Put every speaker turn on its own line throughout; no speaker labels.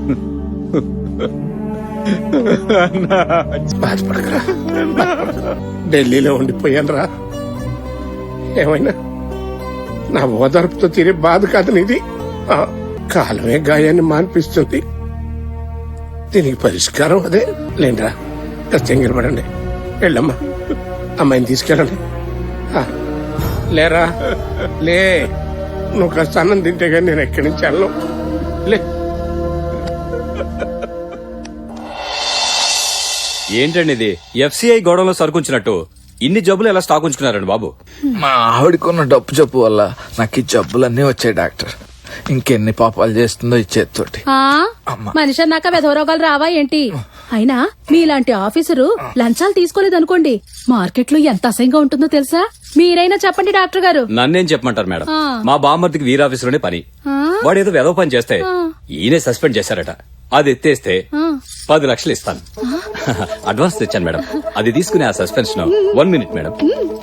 బాధపడకరా, ఢిల్లీలో ఉండిపోయాను రా. ఏమైనా నా ఓదార్పుతో తీరే బాధ కాదు నీది. కాలమే గాయాన్ని మాన్పిస్తుంది. దీనికి పరిష్కారం అదే. లేండిరా, కష్టంగా పడండి. వెళ్ళమ్మా, అమ్మాయిని తీసుకెళ్ళండి. లేరా, లే. నువ్వు కాస్త అన్నం తింటే గానీ నేను ఎక్కడి నుంచి వెళ్ళను. లే.
ఏంటండి ఇది? FCI గోడంలో సరుకుంచినట్టు ఇన్ని జబ్బులు ఎలా స్టాక్ ఉంచుకున్నారండి బాబు?
మా ఆవిడకున్న డబ్బు జబ్బు వల్ల నాకు ఈ జబ్బులన్నీ వచ్చాయి డాక్టర్. ఇంకెన్ని పాపాలు చేస్తుందో ఈ చేతితోటి.
మనిషి అన్నాక వెధవరోగాలు రావా ఏంటి? అయినా మీలాంటి ఆఫీసరు లంచాలు తీసుకోలేదనుకోండి, మార్కెట్ లో ఎంత అసహ్యంగా ఉంటుందో తెలుసా? మీరైనా చెప్పండి డాక్టర్ గారు.
నన్నేం చెప్పమంటారు మేడం? మా బామ్మర్దికి వీరాఫీసులోనే పని. వాడు ఏదో వెధవ పని చేస్తే ఈయనే సస్పెండ్ చేశారట. అది ఎత్తేస్తే 10 లక్షలు ఇస్తాను. అడ్వాన్స్ తెచ్చాను మేడం. అది తీసుకుని ఆ సస్పెన్షన్ 1 మినిట్ మేడం.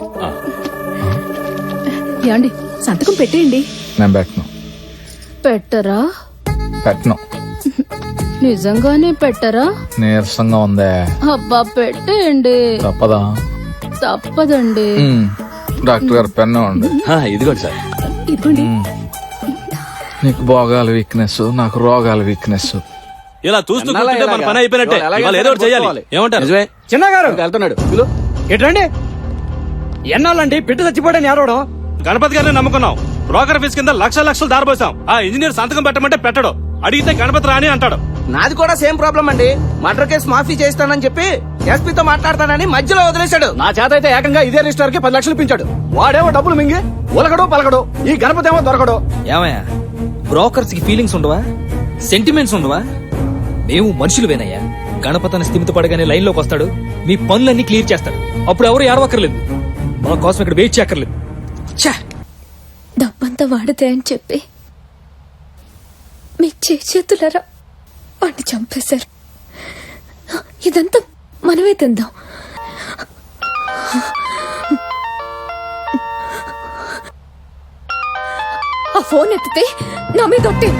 ఏమండి, సంతకం పెట్టేయండి.
నేను పెట్టను.
పెట్టరా?
పెట్టను.
నిజంగానే పెట్టరా?
నీరసంగా ఉందే.
అబ్బా పెట్టేయండి.
తప్పదా?
తప్పదండి.
డాక్టర్ గారు పెన్ను ఉంది.
ఇదిగోండి సార్.
ఇదిగోండి.
నీకు భోగాల వీక్నెస్, నాకు రోగాల వీక్నెస్.
ఇలా చూస్తూ మన పని అయిపోయినట్టే. ఏదో చేయాలి. ఏమంటారు?
చిన్నగారు వెళ్తున్నాడు. ఎట్రండి? ఎన్నాళ్ళండి పిట్టు చచ్చిపోయాడని ఏడవడం?
గణపతి గారిని నమ్ముకున్నాం. బ్రోకర్ ఫీజు కింద లక్షలు దారిపోసాం. ఆ ఇంజనీర్ సంతకం పెట్టమంటే పెట్టడు. అడిగితే గణపతి రాని అంటాడు.
నాది కూడా సేమ్ ప్రాబ్లం అండి. మర్డర్ కేసు మాఫీ చేస్తానని చెప్పి ఎస్పీతో మాట్లాడతానని మధ్యలో వదిలేశాడు. నా చేత అయితే ఏకంగా ఇదే రిజిస్టర్ కి 10 లక్షలు పించాడు. వాడేమో డబ్బులు మింగి ఉలగడు పలకడు. ఈ గణపతి ఏమో దొరకడు.
ఏమయ్యా, బ్రోకర్స్ కి ఫీలింగ్స్ ఉండవా? సెంటిమెంట్స్ ఉండవా? మేము మనుషులువేనయ్యా. గణపతిని స్థిమిత పడగానే లైన్ లోకి వస్తాడు. మీ పనులన్నీ క్లియర్ చేస్తాడు. అప్పుడు ఎవరు ఏడవక్కర్లేదు. మా కోసం ఇక్కడ వెయిట్ చేయక్కర్లేదు.
డబ్బంతా వాడితే అని చెప్పి మీ చేతులరా వాడిని చంపేశారు. ఇదంతా మనమే తిందాం. ఆ ఫోన్ ఎత్తితే నా మీద ఒట్టే.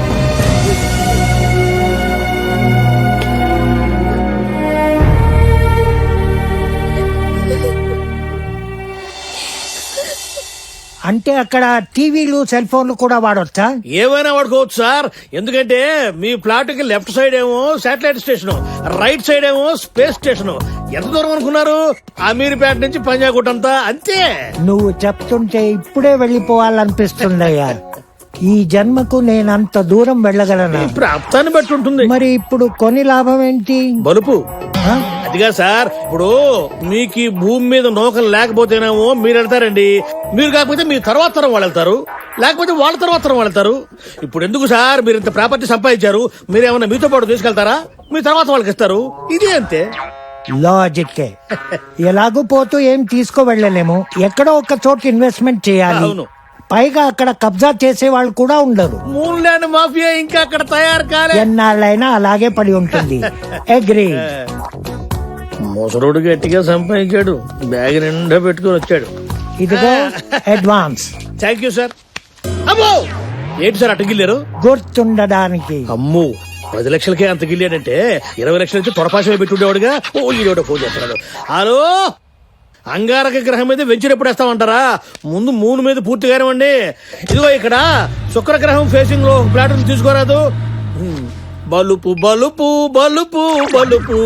అంటే అక్కడ టీవీలు సెల్ ఫోన్లు కూడా వాడొచ్చా?
ఏమైనా వాడుకోవచ్చు సార్. ఎందుకంటే మీ ప్లాట్ కి లెఫ్ట్ సైడ్ ఏమో శాటిలైట్ స్టేషన్, రైట్ సైడ్ ఏమో స్పేస్ స్టేషన్. ఎంత దూరం అనుకున్నారు? అమీర్పేట నుంచి పంజాగుట్ అంతా అంతే.
నువ్వు చెప్తుంటే ఇప్పుడే వెళ్లిపోవాలనిపిస్తుందయ్యా. ఈ జన్మకు నేనంత దూరం వెళ్ళగలనా?
ప్రాప్తాన్ని బట్టి ఉంటుంది.
మరి ఇప్పుడు కొని లాభం ఏంటి?
బలుపు అదిగా సార్. ఇప్పుడు మీకు ఈ భూమి మీద నౌకలు లేకపోతేనేమో మీరు వెళ్తారండి. మీరు కాకపోతే మీ తర్వాత తరం వాళ్ళు వెళ్తారు, లేకపోతే వాళ్ళ తర్వాత తరం వాళ్ళు వెళ్తారు. ఇప్పుడు ఎందుకు సార్ మీరు ఇంత ప్రాపర్టీ సంపాదించారు? మీరేమన్నా మీతో పాటు తీసుకెళ్తారా? మీ తర్వాత వాళ్ళకి ఇస్తారు. ఇది అంతే
లాజిక్కే. ఎలాగూ పోతూ ఏం తీసుకో వెళ్ళలేము. ఎక్కడో ఒక చోట ఇన్వెస్ట్మెంట్ చేయాలి. పైగా అక్కడ కబ్జా చేసే వాళ్ళు కూడా ఉండరు.
మూన్ ల్యాండ్ మాఫియా ఇంకా అక్కడ తయారు కాలే.
ఎన్నాళ్ళైనా అలాగే పడి ఉంటుంది. అగ్రీ.
ముసరుడు గట్టిగా సంపాదించాడు. బ్యాగ్ నిండా పెట్టుకుని వచ్చాడు.
ఇదిగో అడ్వాన్స్.
Thank you sir. అమ్మో ఏంటి సార్ అటుగిల్లారు?
గుర్తుండడానికి.
అమ్ము 10 లక్షలకే అంత గిల్లాడంటే 20 లక్షల నుంచి పొరపాశమే పెట్టుండేవాడుగా. ఓ ఈడోడ ఫోన్ చేస్తున్నాడు. హలో, అంగారక గ్రహం మీద వెంచర్ ఎప్పుడు వేస్తామంటారా? ముందు మూన్ మీద పూర్తిగా ఇవ్వండి. ఇదిగో ఇక్కడ శుక్రగ్రహం ఫేసింగ్ లో ఫ్లాట్ తీసుకోరాదు. బలుపు బలుపు బలుపు బలుపు.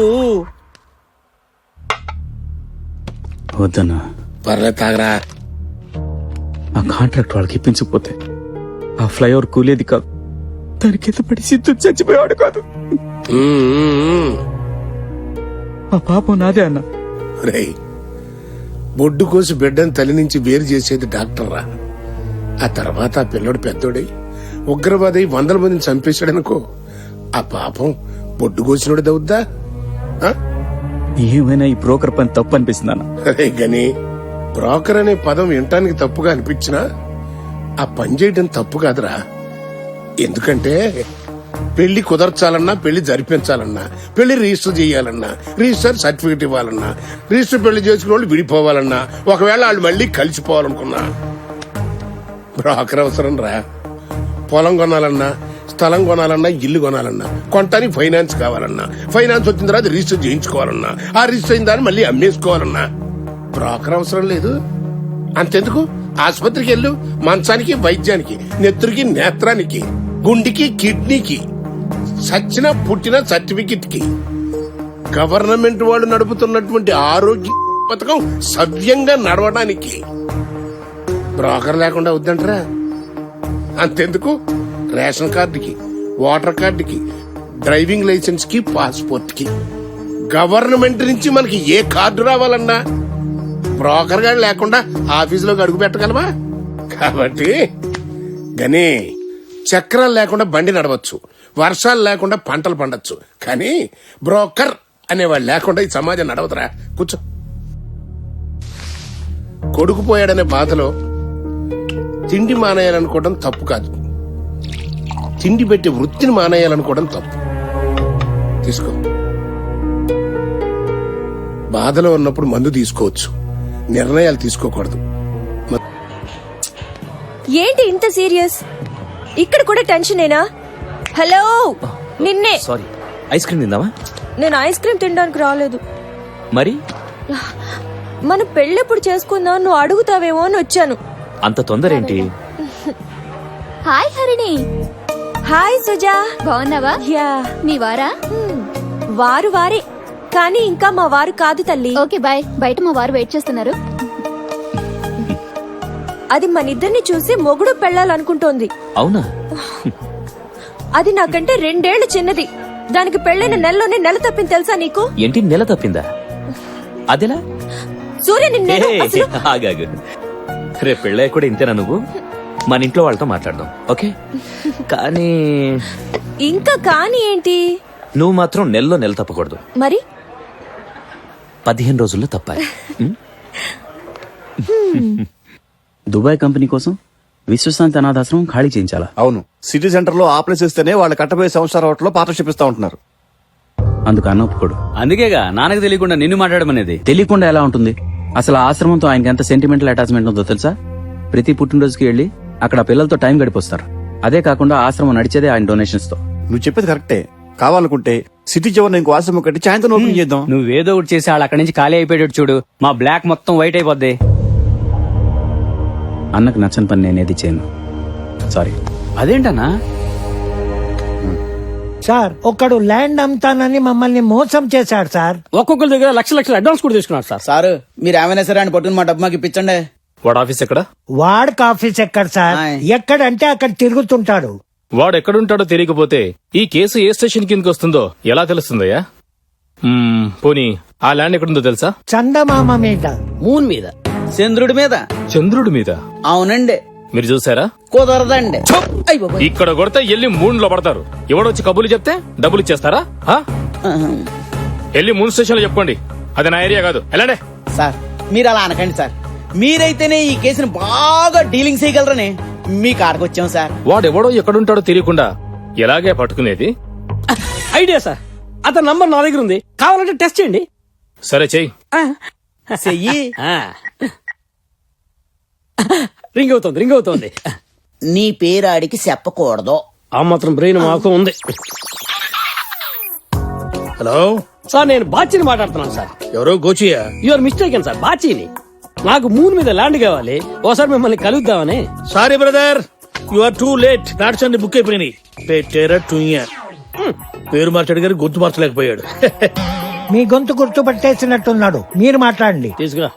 వద్దన్నా,
పర్లేదు తాగరా.
ఆ కాంట్రాక్ట్ వాళ్ళకి ఇప్పించకపోతే ఆ ఫ్లైఓవర్ కూలేది కాదు. దాని కింద పడి సిద్ధు చచ్చిపోయాడు కాదు. ఆ పాపం నాదే అన్న.
బొడ్డు కోసి బిడ్డను తల్లి నుంచి వేరు చేసేది డాక్టర్ రా. ఆ తర్వాత ఆ పిల్లడు పెద్దోడై ఉగ్రవాది 100 మందిని చంపేశాడనుకో, ఆ పాపం బొడ్డు కోసినోడు దవుద్దా?
ఏమైనా ఈ బ్రోకర్ పని తప్పు అనిపిస్తుంది అన్న.
అరే గని, బ్రోకర్ అనే పదం వినటానికి తప్పుగా అనిపించినా ఆ పని చేయడం తప్పు కాదురా. ఎందుకంటే పెళ్లి కుదర్చాలన్నా, పెళ్లి జరిపించాలన్నా, పెళ్లి రిజిస్టర్ చేయాలన్నా, రిజిస్టర్ సర్టిఫికెట్ ఇవ్వాలన్నా, రిజిస్టర్ పెళ్లి చేసుకున్న వాళ్ళు విడిపోవాలన్నా, ఒకవేళ వాళ్ళు మళ్ళీ కలిసిపోవాలనుకున్నా బ్రోకర్ అవసరం రా. పొలం కొనాలన్నా, స్థలం కొనాలన్నా ఇల్లు కొనాలన్నా కొనటానికి ఫైనాన్స్ కావాలన్నా ఫైనాన్స్ వచ్చిన తర్వాత రిజిస్టర్ చేయించుకోవాలన్నా ఆ రిజిస్టర్ అయిన దాన్ని మళ్ళీ అమ్మేసుకోవాలన్నా బ్రోకర్ అవసరం లేదు. అంతెందుకు, ఆసుపత్రికి వెళ్ళు, మంచానికి వైద్యానికి, నెత్తురికి నేత్రానికి, గుండెకి కిడ్నీకి, సచ్చిన పుట్టిన సర్టిఫికెట్ కి, గవర్నమెంట్ వాళ్ళు నడుపుతున్నటువంటి ఆరోగ్య పథకం సవ్యంగా నడవడానికి బ్రోకర్ లేకుండా వద్దంటారా? అంతెందుకు, రేషన్ కార్డుకి, ఓటర్ కార్డుకి, డ్రైవింగ్ లైసెన్స్ కి, పాస్పోర్ట్ కి, గవర్నమెంట్ నుంచి మనకి ఏ కార్డు రావాలన్నా బ్రోకర్ గారు లేకుండా ఆఫీసులోకి అడుగు పెట్టగలమా? కాబట్టి గని చక్రాలు లేకుండా బండి నడవచ్చు, వర్షాలు లేకుండా పంటలు పండొచ్చు, కానీ బ్రోకర్ అనేవాళ్ళు లేకుండా ఈ సమాజం నడవదురా. కూర్చో. కొడుకు పోయాడనే బాధలో తిండి మానేయాలనుకోవడం తప్పు కాదు, తిండి పెట్టి వృత్తిని మానేయాలనుకోవడం తప్పు. తీసుకో. బాధలో ఉన్నప్పుడు మందు తీసుకోవచ్చు, నిర్ణయాలు తీసుకోకూడదు.
ఏంటి ఇంత సీరియస్? ఇక్కడ కూడా టెన్షనేనా? హలో, నిన్నే.
సారీ, ఐస్ క్రీమ్ తిందామా?
నేను ఐస్ క్రీమ్ తినడానికి రాలేదు.
మరి
మన పెళ్ళెప్పుడు చేసుకుందాం నువ్వు అడుగుతావేమో అని వచ్చాను.
అంత తొందర ఏంటి?
హాయ్ హరిణి. హాయ్ సుజా.
బాగున్నావా?
యా.
మీ వారా?
వారు వారే, కానీ ఇంకా మా వారు కాదు తల్లి.
Okay bye. బయట మా వారు వెయిట్ చేస్తున్నారు.
అది మన ఇద్దరిని చూసి మొగుడు పెళ్ళాలనుకుంటోంది.
అవునా?
అది నాకంటే 2 ఏళ్లు చిన్నది. దానికి పెళ్ళైన నెలలోనే నెల తప్పింది తెలుసా నీకు?
ఏంటి నెల తప్పిందా? అదేలా?
సూర్య నిన్నే అసలు.
ఆగాగు, రేపు పెళ్ళయ్య కూడా ఇంతేనా నువ్వు? మన ఇంట్లో వాళ్ళతో మాట్లాడదాం, ఓకే? కానీ
ఇంకా కానీ ఏంటి?
నువ్వు మాత్రం నెలలో నెల తప్పకూడదు.
మరి
15 రోజుల్లో తప్పాలి.
దుబాయ్ కంపెనీ కోసం విశ్వశాంతి అనాథాశ్రమం ఖాళీ చేయించాలా?
అవును, సిటీ సెంటర్ లో ఆ ప్లేస్ ఇస్తేనే వాళ్ళు కట్టబోయే సంవత్సరాల హోటల్లో పార్ట్నర్షిప్ ఇస్తా ఉంటున్నారు.
అందుకు అన్న ఒప్పుకోడు.
అందుకేగా నాన్నకు తెలియకుండా నిన్ను మాట్లాడమనేది.
తెలియకుండా ఎలా ఉంటుంది? అసలు ఆ ఆశ్రమంతో ఆయనకి ఎంత సెంటిమెంటల్ అటాచ్మెంట్ ఉందో తెలుసా? ప్రతి పుట్టినరోజుకి వెళ్లి అక్కడ పిల్లలతో టైం గడిపొస్తారు. అదే కాకుండా ఆశ్రమం నడిచేదే ఆయన డొనేషన్స్ తో.
నువ్వు చెప్పేది కరెక్టే. కావాలనుకుంటే సిటీ చివరిన ఇంకో ఆశ్రమం కట్టి సాయంత్రం ఓపెన్ చేద్దాం.
నువ్వేదో ఒకటి చేసి వాళ్ళు అక్కడి నుంచి ఖాళీ అయిపోయాడు చూడు, మా బ్లాక్ మొత్తం వైట్ అయిపోద్ది.
అన్నకు నచ్చని పని నేనేది చేయను. సారీ.
అదేంటన్నా?
సార్ ఒకడు ల్యాండ్ అమ్ముతానని మమ్మల్ని మోసం చేశాడు సార్.
ఒక్కొక్కరి దగ్గర లక్షల అడ్వాన్స్ కూడా తీసుకున్నారు సార్.
సార్ మీరు ఏమైనా సరే అని పట్టుకుని మా డబ్బు మాకు ఇప్పించండి.
వాడు ఆఫీస్ ఎక్కడ?
వాడికి ఆఫీస్ ఎక్కడ సార్? ఎక్కడంటే అక్కడ తిరుగుతుంటాడు.
వాడు ఎక్కడుంటాడో తెలియకపోతే ఈ కేసు ఏ స్టేషన్ కిందకి వస్తుందో ఎలా తెలుస్తుందయ్యా? పోనీ ఆ ల్యాండ్ ఎక్కడుందో తెలుసా?
చందమామ మీద.
మూన్ మీద.
చంద్రుడి మీద.
చంద్రుడి మీద?
అవునండి.
మీరు చూసారా?
కుదరదండి.
ఇక్కడ కొడితే ఎల్లి మూన్లో పడతారు. ఎవడొచ్చి కబుర్లు చెప్తే డబ్బులు ఇచ్చేస్తారా? ఎల్లి మూన్ స్టేషన్ లో చెప్పుకోండి, అది నా ఏరియా కాదు. ఎలాండే
సార్ మీరు అలా అనకండి సార్. మీరైతేనే ఈ కేసును బాగా డీలింగ్ చేయగలరని మీ కాడకు వచ్చాం సార్.
వాడెవడో ఎక్కడుంటాడో తెలియకుండా ఎలాగే పట్టుకునేది?
Idea sir. అతని నంబర్ నా దగ్గర ఉంది, కావాలంటే టెస్ట్ చేయండి.
సరే చెయ్యి.
చెయ్యి.
రింగ్ అవుతోంది.
నీ పేరు ఆడికి చెప్పకూడదు.
ఆ మాత్రం బ్రెయిన్ మాకు ఉంది.
హలో
సార్, నేను బాచిని మాట్లాడుతున్నాను సార్.
ఎవరో గోచియా?
Your mistake sir. బాచిని. నాకు మూన్ మీద ల్యాండ్ కావాలి, ఓసారి మిమ్మల్ని కలుద్దామని.
Sorry brother, you are too late. Flats అన్ని బుక్ అయిపోయినాయి. పేరు మార్చాడు గారు గుర్తు మార్చలేకపోయాడు.
మీ గొంతు గుర్తు పట్టేసినట్టున్నాడు. మీరు మాట్లాడండి.
తీసుకురా.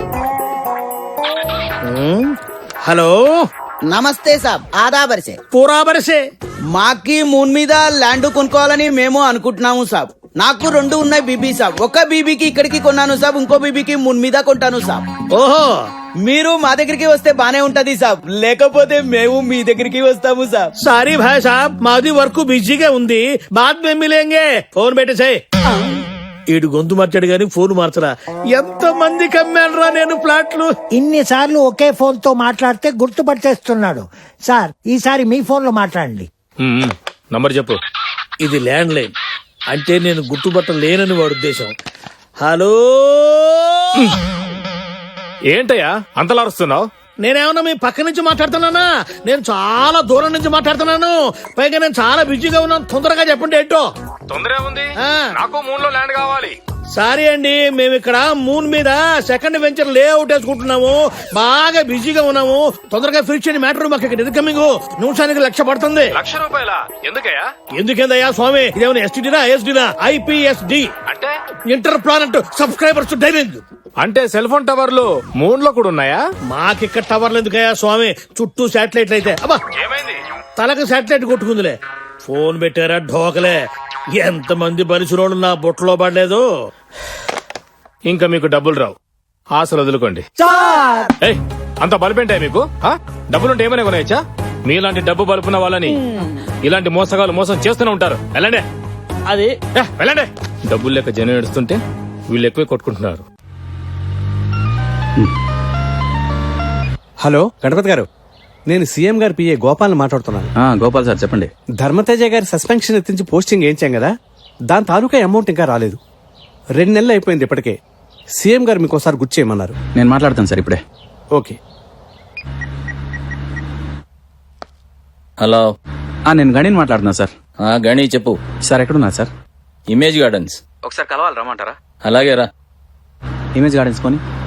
హలో
నమస్తే సాబ్. ఆదా బరిసే.
పూరా బరసే.
మాకి మూన్ మీద ల్యాండ్ కొనుక్కోవాలని మేము అనుకుంటున్నాము సాబ్. నాకు 2 ఉన్నాయి బీబీ సాబ్. ఒక బీబీకి ఇక్కడికి కొన్నాను సాబ్, ఇంకో బీబీకి మూన్ మీద కొంటాను సాబ్.
ఓహో,
మీరు మా దగ్గరికి వస్తే బానే ఉంటది సాబ్, లేకపోతే మేము మీ దగ్గరికి వస్తాము సాబ్.
సారీ భాయ్ సాబ్, మాది వర్క్ బిజీగా ఉంది. బాద్ మే మిలేంగే. ఫోన్ పెట్టేసాయి. ఈడు గొంతు మార్చాడు గాని ఫోన్ మార్చరా. ఎంత మంది కమ్మానరా నేను ఫ్లాట్లు.
ఇన్నిసార్లు ఒకే ఫోన్ తో మాట్లాడితే గుర్తుపట్టేస్తున్నాడు. సార్ ఈసారి మీ ఫోన్ లో మాట్లాడండి.
నంబర్ చెప్పు.
ఇది ల్యాండ్ లైన్ అంటే నేను గుర్తుపట్టలేనని వాడు ఉద్దేశం. హలో,
ఏంటయ్యా అంతలా అరుస్తున్నావు?
నేనేమన్నా మీ పక్క నుంచి మాట్లాడుతున్నానా? నేను చాలా దూరం నుంచి మాట్లాడుతున్నాను. పైగా నేను చాలా బిజీగా ఉన్నాను. తొందరగా చెప్పండి ఏంటో.
తొందర ఉంది,
ఆ.
నాకు మూన్ లో ల్యాండ్ కావాలి.
సారీ అండి, మేము ఇక్కడ మూన్ మీద సెకండ్ వెంచర్ లేఅవుట్ వేసుకుంటున్నాము. బాగా బిజీగా ఉన్నాము. తొందరగా ఫినిష్ చేయని మ్యాటర్. మాకు ఇక్కడ ఇన్కమింగ్ నిమిషానికి 1,00,000 పడుతుంది.
₹1,00,000 ఎందుకయ్యా?
ఎందుకేందయ్యా స్వామి, ఇదేమైనా ఎస్టీడీనా ఐఎస్డీనా? IPSD
అంటే
ఇంటర్ ప్లానెట్ సబ్స్క్రైబర్స్ డైవింగ్.
అంటే సెల్ ఫోన్ టవర్లు మూన్ లో కూడా ఉన్నాయా?
మాకిక్కడ టవర్లు ఎందుకయ్యా స్వామి, చుట్టూ శాటిలైట్లు అయితే. అబ్బా,
ఏమైంది?
తలకు శాటిలైట్ కొట్టుకుందిలే. ఫోన్ పెట్టారా ఢోకలే. ఎంతమంది బలిసిరోళ్ళు నా బుట్టలో పడలేదు.
ఇంకా మీకు డబ్బులు రావు, ఆశలు వదులుకోండి. ఏయ్, అంత బల్బేంటాయి మీకు? డబ్బులుంటే ఏమైనా కొనేయచ్చా? మీలాంటి డబ్బు బలుపున్న వాళ్ళని ఇలాంటి మోసగాలు మోసం చేస్తూనే ఉంటారు. వెళ్ళండి.
అది
వెళ్ళండి. డబ్బులు లెక్క జనం ఏడుస్తుంటే వీళ్ళు ఎక్కువ కొట్టుకుంటున్నారు.
హలో గణపతి గారు, నేను సీఎం గారి పిఏ గోపాల్ మాట్లాడుతున్నాను.
గోపాల్ సార్ చెప్పండి.
ధర్మతేజ గారి సస్పెన్షన్ ఎత్తించి పోస్టింగ్ వేయించాం కదా, దాని తాలూకా అమౌంట్ ఇంకా రాలేదు. 2 నెలలు అయిపోయింది ఇప్పటికే. సీఎం గారు మీకు ఒకసారి గుర్తు చేయమన్నారు.
నేను మాట్లాడతాను సార్ ఇప్పుడే.
ఓకే.
హలో,
నేను గణిని మాట్లాడుతున్నా సార్.
గణి చెప్పు.
సార్ ఎక్కడున్నా సార్?
Image gardens.
ఒకసారి కలవాలి రమ్మంటారా?
అలాగే రా.
ఇమేజ్ గార్డెన్స్ కొని